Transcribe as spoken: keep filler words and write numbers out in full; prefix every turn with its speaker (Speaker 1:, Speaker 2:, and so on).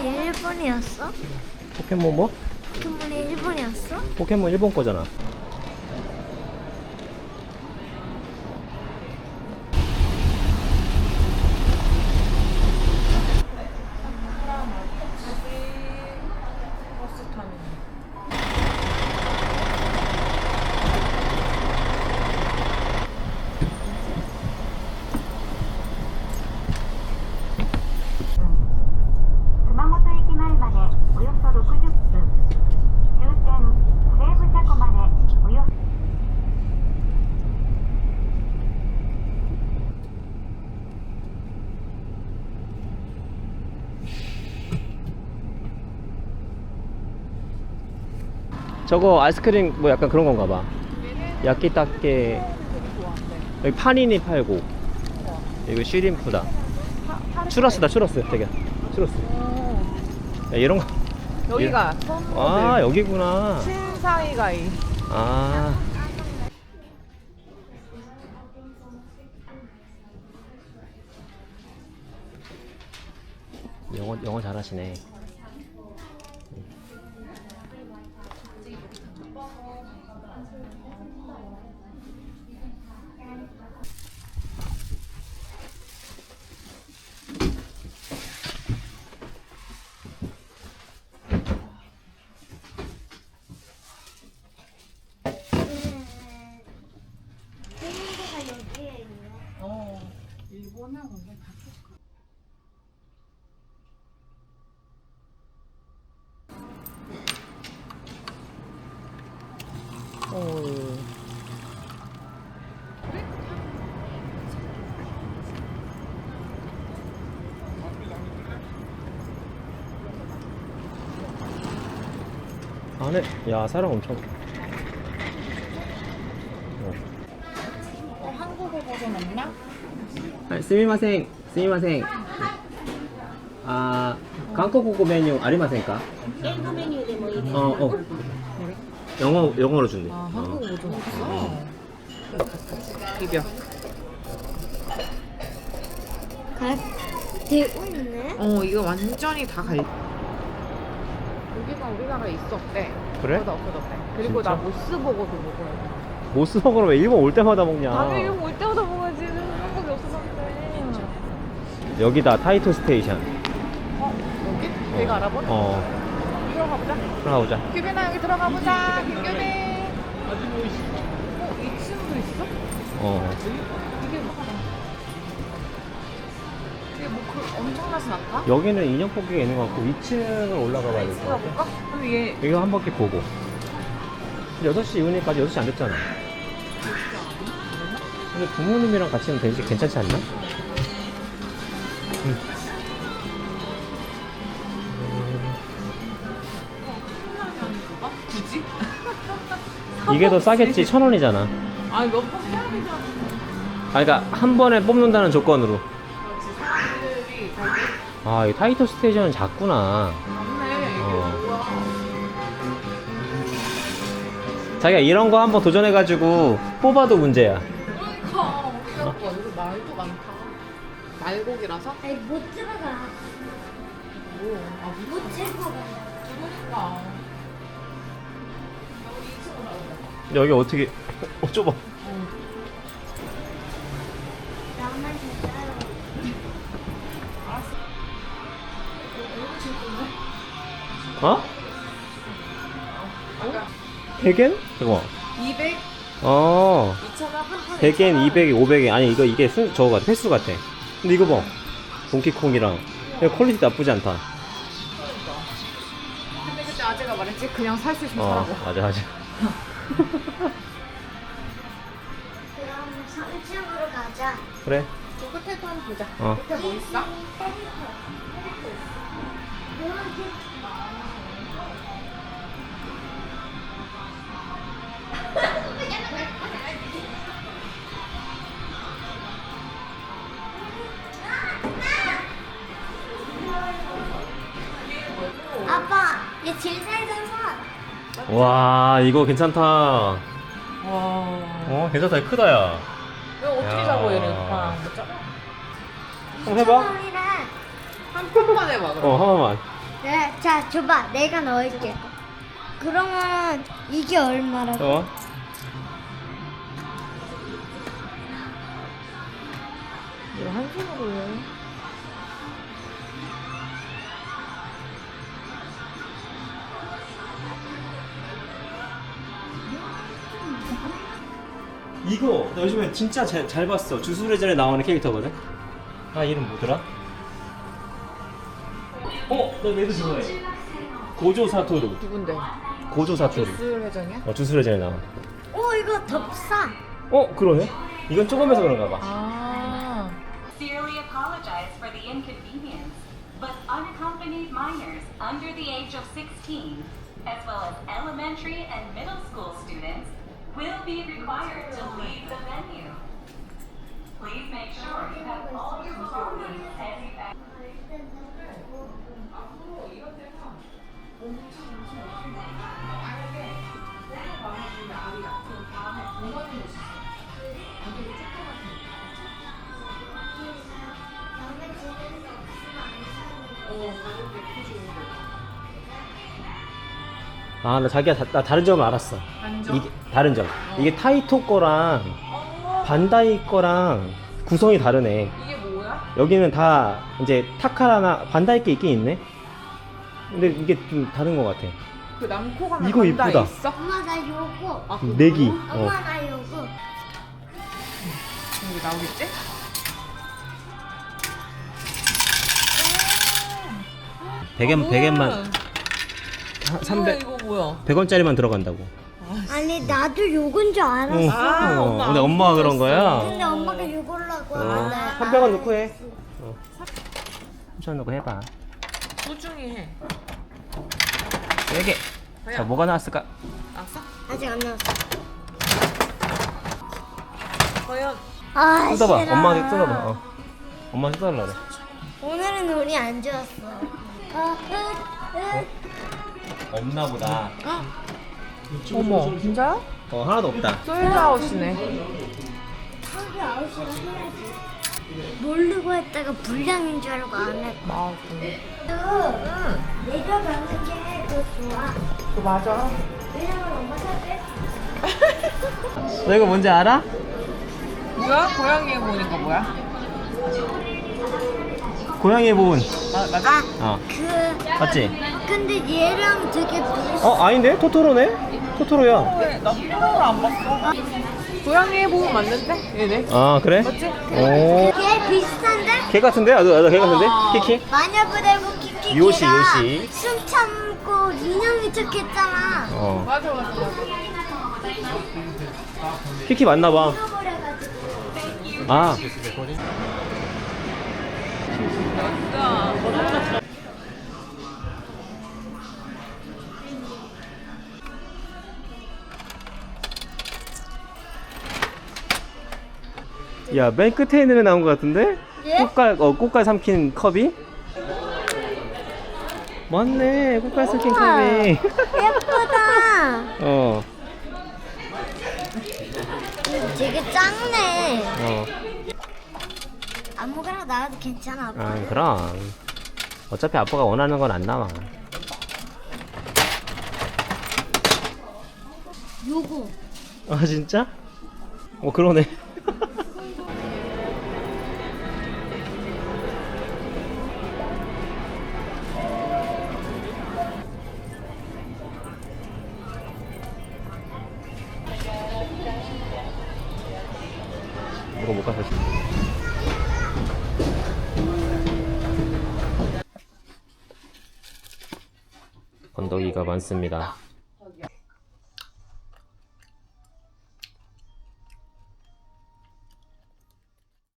Speaker 1: 일본이었어?
Speaker 2: 포켓몬 뭐?
Speaker 1: 포켓몬이 일본이었어?
Speaker 2: 포켓몬 일본 거잖아. 저거 아이스크림 뭐 약간 그런 건가 봐. 야끼따케. 여기 파니니 팔고. 이거 쉬림프다. 추러스다, 추러스. 되게 추러스. 야, 이런 거.
Speaker 3: 여기가 선모델.
Speaker 2: 아, 여기구나.
Speaker 3: 신사이가이.
Speaker 2: 아. 영어 영어 잘하시네.
Speaker 1: 일본가 여기에 있네.
Speaker 3: 어. 일본은 원래 다 똑같아. 어.
Speaker 2: 안에 야 사람 엄청. 어.
Speaker 3: 어, 한국어 버전 없나?
Speaker 2: 아, 스미마셍, 스미마셍. 아, 한국어 메뉴 아리마셍까?
Speaker 1: 일본 메뉴でもいいです
Speaker 2: 어, 어. 영어 영어로 준대.
Speaker 3: 아, 한국어
Speaker 2: 어.
Speaker 3: 버전 없어? 비벼.
Speaker 1: 갈 되고 있네.
Speaker 3: 어, 이거 완전히 다 갈. 여기가 우리나라에 있었대.
Speaker 2: 그래?
Speaker 3: 그러다 없어졌대. 그리고
Speaker 2: 진짜?
Speaker 3: 나 모스버거도 먹어야 돼.
Speaker 2: 모스버거를 왜 일본 올 때마다 먹냐?
Speaker 3: 당연히 일본 올 때마다 먹어야지. 한국에 없어졌는데.
Speaker 2: 여기다 타이토 스테이션.
Speaker 3: 어? 여기? 내가 알아보네?
Speaker 2: 어,
Speaker 3: 들어가 보자.
Speaker 2: 들어가 보자.
Speaker 3: 규빈아 여기 들어가 보자. 김규빈. 어? 이 층도 있어?
Speaker 2: 어.
Speaker 3: 이게 뭐? 이게 뭐 그 엄청나진 않다?
Speaker 2: 여기는 인형 뽑기가 있는 것 같고 이 층을 올라가 봐야 될 것 같아.
Speaker 3: 들어볼까? 그럼 얘
Speaker 2: 이거 한 바퀴 보고. 여섯 시 이후니까지 여섯 시 안 됐잖아. 근데 부모님이랑 같이 하면 되지 괜찮지 않나? 응.
Speaker 3: 어? 굳이?
Speaker 2: 이게 더 싸겠지. 천 원이잖아.
Speaker 3: 아니 몇 번 해야 되잖아.
Speaker 2: 아, 그러니까 한 번에 뽑는다는 조건으로.
Speaker 3: 그렇지 사람들이 거기
Speaker 2: 아, 이 타이토 스테이션은 작구나.
Speaker 3: 맞네. 이게
Speaker 2: 어.
Speaker 3: 뭐야?
Speaker 2: 자기가 이런 거 한번 도전해가지고 뽑아도 문제야.
Speaker 3: 그러니까 우리가 뭐 여기 말도 많다. 말고기라서?
Speaker 1: 아니 못 들어가.
Speaker 3: 뭐? 아 뭐?
Speaker 1: 못 들어가.
Speaker 3: 그러니까. 우리 이 층으로 가보자.
Speaker 2: 여기 어떻게? 어, 좁아.
Speaker 1: 나만 진짜로.
Speaker 2: 어? 백 엔? 잠깐만.
Speaker 3: 이백?
Speaker 2: 어.
Speaker 3: 이천 원? 한 판에
Speaker 2: 백 엔,
Speaker 3: 이천 원?
Speaker 2: 이백 엔, 오백 엔. 아니, 이거, 이게 수, 저거 같아. 횟수 같아. 근데 이거 봐. 동키콩이랑. 이거 퀄리티 나쁘지 않다.
Speaker 3: 근데 그때 아재가 말했지? 그냥 살 수 있으면
Speaker 2: 어,
Speaker 3: 사라고.
Speaker 2: 맞아, 맞아.
Speaker 1: 그럼 삼 층으로 가자.
Speaker 2: 그래.
Speaker 3: 저 끝에도 한번 보자.
Speaker 2: 어.
Speaker 3: 끝에 뭐 있어?
Speaker 1: 아빠, 얘 제일 살던 선.
Speaker 2: 와, 이거 괜찮다.
Speaker 3: 와.
Speaker 2: 어, 괜찮다. 크다, 야.
Speaker 3: 이거 어떻게
Speaker 2: 야.
Speaker 3: 잡아 얘를? 아, 못 잡아?
Speaker 2: 한번 해봐.
Speaker 1: 이랑
Speaker 3: 한 판만 해봐 그럼.
Speaker 2: 어, 한 번만.
Speaker 1: 네, 자, 줘봐. 내가 넣을게. 그러면 이게 얼마라고?
Speaker 2: 어?
Speaker 3: 이거 한 손으로 해.
Speaker 2: 이거 나 요즘에 진짜 잘, 잘 봤어. 주술회전에 나오는 캐릭터거든. 아 이름 뭐더라? 어? 나 얘도 좋아해. 고조 사토루.
Speaker 3: 누군데?
Speaker 2: 고조 사토루.
Speaker 3: 주스 회전이야?
Speaker 2: 어 주술회전에 나와.
Speaker 1: 오, 이거 더 비싸.
Speaker 2: 어 그러네? 이건 조금해서 그런가 봐.
Speaker 3: 아.
Speaker 4: Sincerely apologize for the inconvenience, but unaccompanied minors under the age of sixteen, as well as elementary and middle school students, will be required to leave the venue. Please make sure you have all your belongings as you exit.
Speaker 2: 아 나 자기야 다, 나 다른 점을 알았어.
Speaker 3: 다른 점?
Speaker 2: 이게 다른 점. 이게 타이토 거랑 반다이 거랑 구성이 다르네.
Speaker 3: 이게 뭐야?
Speaker 2: 여기는 다 이제 타카라나 반다이 게 있긴 있네. 근데 이게 좀 다른 것 같아.
Speaker 3: 그 남코 가면
Speaker 2: 이거
Speaker 3: 반다
Speaker 2: 이쁘다.
Speaker 3: 있어?
Speaker 1: 엄마, 나 요거.
Speaker 3: 아, 그거?
Speaker 2: 내기. 어.
Speaker 1: 엄마, 나 요거.
Speaker 3: 여기 나오겠지?
Speaker 2: 백엔 백엔만
Speaker 3: 뭐야,
Speaker 2: 삼백
Speaker 3: 이거 뭐야?
Speaker 2: 백 원짜리만 들어간다고.
Speaker 1: 아니, 나도 요건 줄 알았어.
Speaker 3: 아,
Speaker 2: 어,
Speaker 3: 엄마
Speaker 2: 근데
Speaker 3: 안
Speaker 2: 엄마가 그런
Speaker 3: 보였어.
Speaker 2: 거야.
Speaker 1: 근데 엄마가 요걸라고
Speaker 2: 어,
Speaker 1: 하는데.
Speaker 2: 삼백 원 넣고 해. 어. 삼천 원 넣고 해봐.
Speaker 3: 소중히 해.
Speaker 2: 여기. 자 뭐가 나왔을까?
Speaker 3: 알았어?
Speaker 1: 아직 안 나왔어.
Speaker 3: 과연
Speaker 1: 아,
Speaker 2: 뜯어봐.
Speaker 1: 싫어.
Speaker 2: 엄마한테 뜯어봐. 어. 엄마한테 뜯어달라 그래.
Speaker 1: 오늘은 운이 안 좋았어. 어, 으, 으.
Speaker 2: 없나 보다.
Speaker 3: 어머, 진짜요?
Speaker 2: 어 하나도 없다.
Speaker 3: 솔드아웃이네.
Speaker 1: 하루 아홉 시에 해야지. 모르고 했다가 불량인 줄 알고 안 했고.
Speaker 3: 맞아.
Speaker 1: 응. 내가 가는 게 더 좋아.
Speaker 3: 그 맞아.
Speaker 1: 왜냐면 엄마 사대.
Speaker 2: 너 이거 뭔지 알아?
Speaker 3: 뭐야? 고양이 보니까 뭐야?
Speaker 2: 고양이 보은.
Speaker 3: 마, 맞아?
Speaker 2: 어.
Speaker 1: 그.
Speaker 2: 맞지?
Speaker 1: 근데 얘랑 되게 비슷.
Speaker 2: 어 아닌데? 토토로네? 토토로야.
Speaker 3: 왜? 나 토토로를 안 봤어. 고양이 보면 맞는데? 얘네.
Speaker 2: 아 그래?
Speaker 3: 맞지?
Speaker 2: 오.
Speaker 1: 걔 비슷한데?
Speaker 2: 걔 같은데? 나도 나도 걔 같은데?
Speaker 3: 어.
Speaker 2: 키키?
Speaker 1: 마녀부대고 키키키가
Speaker 2: 요시, 요시.
Speaker 1: 숨 참고 인형이 척했잖아.
Speaker 2: 어.
Speaker 3: 맞아, 맞아, 맞아.
Speaker 2: 키키 맞나 봐.
Speaker 1: 잃어버려가지고.
Speaker 2: 아.
Speaker 3: 맞다.
Speaker 2: 야, 맨 끝에 있는 애 나온 것 같은데?
Speaker 1: 예?
Speaker 2: 꽃갈, 어, 꽃갈 삼킨 컵이? 맞네, 꽃갈 삼킨
Speaker 1: 우와.
Speaker 2: 컵이.
Speaker 1: 예쁘다.
Speaker 2: 어,
Speaker 1: 되게 작네.
Speaker 2: 어.
Speaker 1: 아무거나 나와도 괜찮아. 아빠.
Speaker 2: 아, 그럼. 어차피 아빠가 원하는 건 안 나와.
Speaker 1: 요거.
Speaker 2: 아, 진짜? 어, 그러네. 이거 못 가서. 건더기가 많습니다.